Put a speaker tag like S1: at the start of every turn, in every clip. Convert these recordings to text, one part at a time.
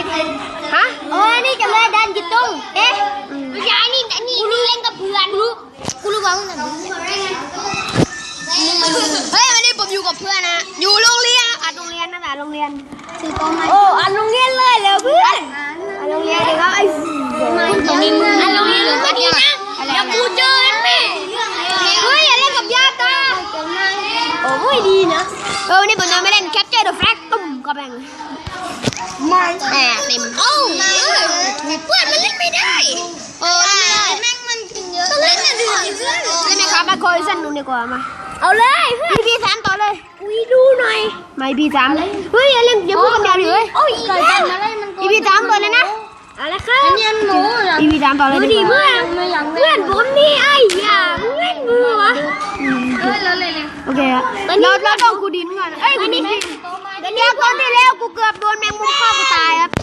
S1: ฮะนี่จะมาดันจิตตงไม่ใช่นี่เล่นกับเพื่อนกูรู้ว่ามึงเฮ้ยวันนี้ผมอยู่กับเพื่อนนะอยู่โรงเรียนอัดโรงเรียนนะโรงเรียนชื่อโตมาอัดโรงเรียนเลยแล้วเพื่อนอัดโรงเรียนเดี๋ยวก็ไอ้ตรงนี้อัดโรงเรียนมาดีนะอย่ากูเจอแม่เฮ้ยอย่าเล่นกับญาติโอ้ไม่ดีนะวันนี้ผมจะไม่เล่นแคปเจอร์เดอะแฟลกตุ้มก็แบ่งไม่เต็มเพื่อนมันเล่นไม่ได้แม่งมันกินเยอะเล่นไม่ได้เล่นไหมครับมาคอยสั้นดูดีกว่ามาเอาเลยพี่สามต่อเลยดูหน่อยไม่พี่สามเฮ้ยอย่าเล่นอย่าพูดคำเดียวเลยพี่สามต่อเลยนะอะไรครับพี่สามต่อเลยดีเพื่อนผมนี่ไอ้ย่าเล่นมือวะโอเคอะเราต้องกูดินก่อนเอ้ยกูดินเดี๋ยวคนที่แล้วกูเกือบโดนแมงมุมฆ่ากูตายครับ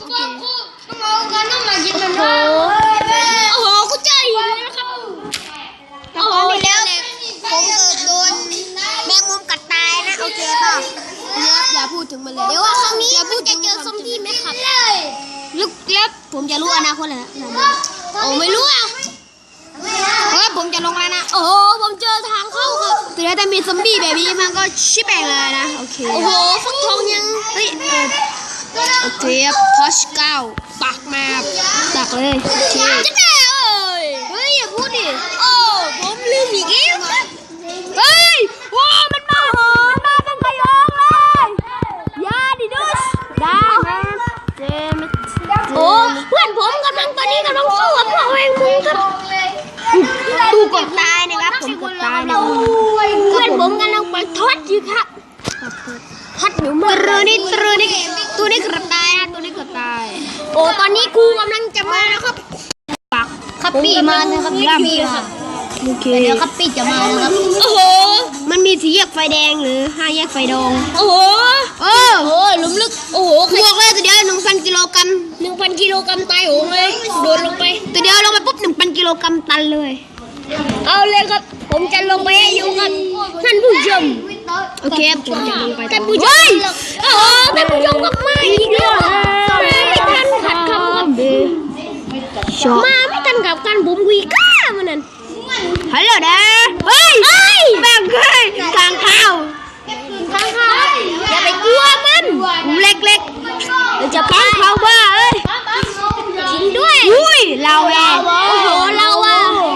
S1: โอ้โหกูเจอหินนะครับโอ้โหแล้วผมเกือบโดนแมงมุมกัดตายนะโอเคป่ะอย่าพูดถึงมันเลยเดี๋ยวว่าครั้งนี้อย่าพูดจะเจอซอมบี้ไหมครับลึกเล็บผมจะรู้อนาคตเลยนะโอ้ไม่รู้อ่ะเฮ้ยผมจะลงแล้วนะโอ้โหผมเจอทางเข้าครับแต่มีซอมบี้แบบนี้มันก็ชิบแปลงเลยนะโอเคโอ้โหฟักทองยังเฮ้ยโอเคพอชเก้าปักมาปักเลยโอเคจะได้เฮ้ยอย่าพูดดิโอ้ผมลืมอีกแล้วเฮ้ยว้ามันมาเป็นขยงเลยยาดิดุสได้เจมโอ้เพื่อนผมตอนนี้กำลังสู้กับพวกแมงมุมครับตูกดตายนะครับผมกดตายนะเพื่อนผมกำลังไปทอดอยู่ครับทอดอยู่มือตัวนี้เกือบตายนะตัวนี้เกือบตายโอ้ตอนนี้ครูกำลังจะมาแล้วครับปักคัปปี้มานะครับคัปปี้ครับโอเคเดี๋ยวคัปปี้จะมาแล้วครับโอ้โหมันมี4 แยกไฟแดงหรือ5 แยกไฟดองโอ้โหลุ่มลึกโอ้โหบวกเลยตัวเดียว 1,000 กิโลกรัมตายโหงเลยโดนลงไปตัวเดียวลงไปปุ๊บ 1,000 กิโลกรัมตันเลยเอาเลยครับผมจะลงไปให้อยู่ครับท่านผู้ชมโอเคผมจะลงไปท่านผู้ชมโอ้โหท่านผู้ชมก็มาอีกแล้วมาไม่ทันขัดคำครับมาไม่ทันกับการบุ๋มวีก้ามันนั่นฮัลโหลเด้อเฮ้ยแบบเฮ้ยทางเข้าอย่าไปกลัวมันเล็กๆจะพังเขาบ้าเอ้ยจริงด้วยอุ้ยเราโอ้โหเราอ่ะ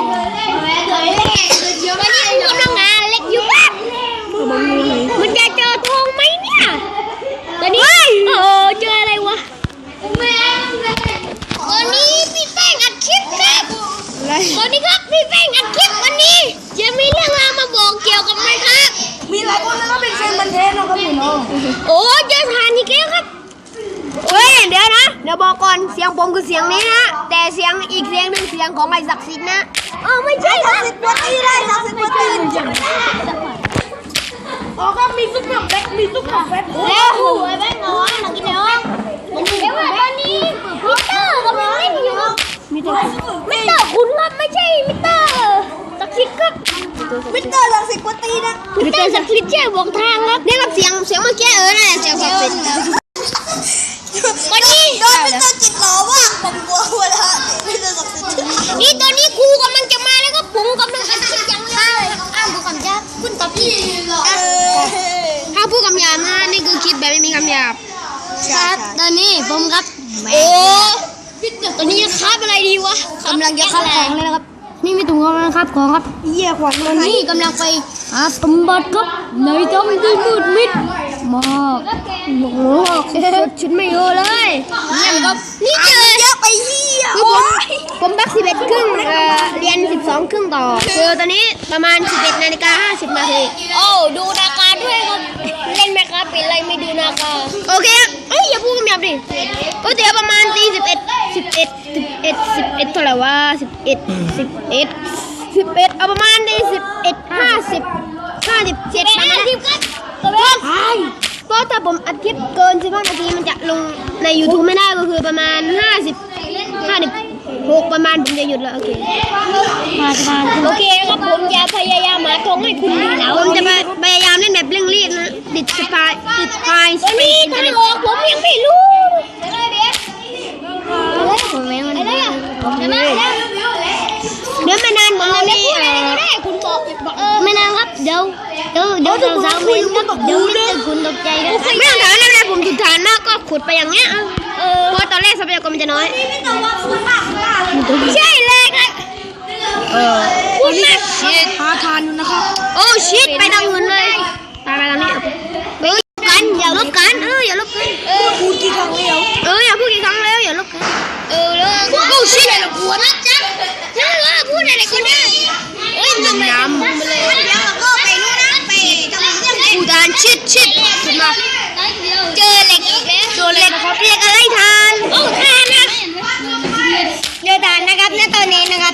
S1: วันนี้กูกำลังหาเล็กอยู่บ้านมันจะเจอทองไหมเนี่ยตอนนี้โอ้เจออะไรวะตอนนี้พี่แป้งอัดคลิปครับตอนนี้ครับพี่แป้งอัดคลิปวันนี้จะมีเรื่องราวมาบอกเกี่ยวกับมันครับ
S2: มีหลายคนแล้วก็เป็นเซนบันเทนนะครับพี่น้อง
S1: โอ้เจอทานอีกแล้วครับเฮ้ยเดี๋ยวนะเดี๋ยวบอกก่อนเสียงผมคือเสียงนี้นะแต่เสียงอีกเสียงหนึ่งเสียงของไอ้ศักดิ์สิทธิ์นะไม่ใช่
S2: ศักดิ์สิทธิ์วัดตีได้ศักดิ์สิทธิ์วัดตีอ๋อก็มีซุปเปอร์แบ็ค
S1: แล้วไอ้แบ็คงอมากินเนาะเดี๋ยวว่าตอนนี้มิเตอร์กำลังเล่นอยู่มิเตอร์คุณครับไม่ใช่มิเตอร์ศักดิ์สิทธิ์ครับ
S2: มิเตอร์ศักดิ์สิทธิ์วัดตีนะ
S1: มิเตอร์ศักดิ์สิทธิ์แจ้งบอกทางครับนี่ครับเสียงเมื่อกี้นั่นแหละเสียงศักดิ์สิทธิ์วันนี้
S2: โดนมิเตอร์จิตหล่อมากผมกลัวเวลามิเตอร์ศักดิ์สิทธิ์
S1: นี่ตอนนี้ครูกำลังจะมาแล้วก็ผมกำลังอัดคลิปอย่างไรผู้กำกับคุณตอบผิดถ้าผู้กำกับนะนี่คือคลิปแบบไม่มีคำหยาบครับตอนนี้ผมครับโอ้ตอนนี้จะคาบอะไรดีวะกำลังจะคาบของเลยนะครับนี่มีถุงกำลังคาบของครับ
S2: เยี่ยขวัญ
S1: ตอนนี้กำลังไปหาสมบัติครับในท้องที่มืดมิดมากโอ้โหชุดไม่เยอะเลยนี่ครับนี่เจอ
S2: เยอะไปเยี่ย
S1: ผมบัก11 ครึ่งเรียน12 ครึ่งต่อคือตอนนี้ประมาณ11:50 นาทีโอ้ดูนาฬิกาด้วยครับเล่นไหมครับเป็นไรไม่ดูนาฬิกาโอเคอย่าพูดคำหยาบดิเดี๋ยวประมาณตี11เท่าไหร่วะ11เอาประมาณตี57ประมาณครับเพราะถ้าผมอัดคลิปเกิน15 นาทีมันจะลงใน YouTube ไม่ได้ก็คือประมาณ56ประมาณผมจะหยุดแล้วโอเคโอเคครับผมจะพยายามหาทงให้คุณดูนะผมจะพยายามเล่นแบบเร่งรีบนะติดสปายตอนนี้ทางออกผมยังไม่รู้เดี๋ยวไม่นานผมจะมีคุณบอกไม่นานครับเดี๋ยวสาวๆไม่รู้ครับเดี๋ยวมิสเตอร์คุณตกใจนะไม่ต้องถามอะไรผมถูกฐานมากก็ขุดไปอย่างเงี้ยเพราะตอนแรกทรัพยากรมันจะน้อยใช่เลยครับคุณแม่หาทานอยู่นะครับโอ้ชิดไปทางอื่นเลยไปทางนี้กันอย่าลบกันอย่าลบกัน
S2: พูดกี่ครั้งแล้ว
S1: อย่าพูดกี่ครั้งแล้วอย่าลบกันแล้วโอ้ชิดอะไรปวดนะจ๊ะพูดอะไรก็ได้น้ำมาเลย
S2: เดี๋ยวเราก็ไปนู่นนะไปทำเรื่อง
S1: อุดานชิดขึ้นมาเจอเหล็กอีกแล้วเจอเหล็กนะครับเรียกอะไรทานทานนะเจอทานนะครับณตอนนี้นะครับ